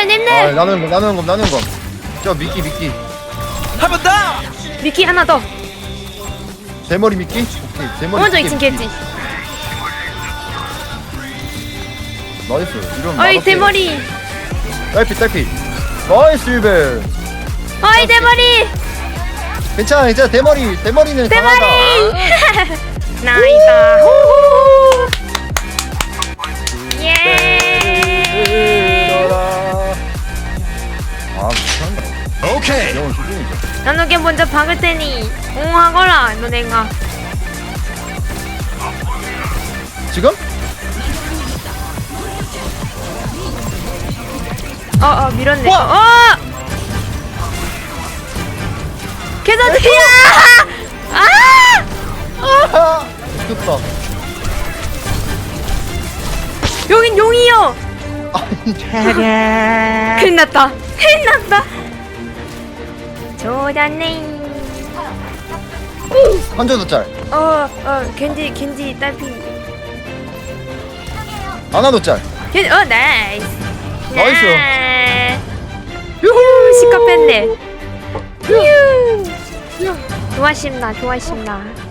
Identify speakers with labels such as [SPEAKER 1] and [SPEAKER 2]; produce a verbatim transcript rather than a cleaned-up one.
[SPEAKER 1] 님들 님들
[SPEAKER 2] 아, 나누는 거 나누는 거 나누는 거. 저 미끼 미끼.
[SPEAKER 3] 한 번 더.
[SPEAKER 1] 미키 하나 더
[SPEAKER 2] 대머리 미끼. 오케이 대머리.
[SPEAKER 1] 먼저
[SPEAKER 2] 미끼,
[SPEAKER 1] 이층
[SPEAKER 2] 미끼.
[SPEAKER 1] 겠지
[SPEAKER 2] 나이스. 이런.
[SPEAKER 1] 어이 대머리
[SPEAKER 2] 딸피 딸피. 나이스 일벨.
[SPEAKER 1] 어이 대머리
[SPEAKER 2] 괜찮아 괜찮아 대머리 대머리는
[SPEAKER 1] 대머리
[SPEAKER 2] 강하다.
[SPEAKER 1] 나이다 호호 예
[SPEAKER 2] 아 미쳤나.
[SPEAKER 3] 오케이.
[SPEAKER 2] 영원 수준이죠.
[SPEAKER 1] 나누게 먼저 박을 테니 옹하거라 너네가
[SPEAKER 2] 지금?
[SPEAKER 1] 어어 밀었네
[SPEAKER 2] 우와!
[SPEAKER 1] 어 개선이야 아
[SPEAKER 2] 아 죽겠다.
[SPEAKER 1] 여긴 용이요
[SPEAKER 2] 아니
[SPEAKER 1] 큰일 났다 큰일 났다 좋았네
[SPEAKER 2] 한조도 짤.
[SPEAKER 1] 어어 겐지 겐지 딸피
[SPEAKER 2] 하나도 짤.
[SPEAKER 1] 겐, 어 나이스
[SPEAKER 2] 나이스.
[SPEAKER 1] 유후 시커 뺐네 유후 좋아십니다 좋아십니다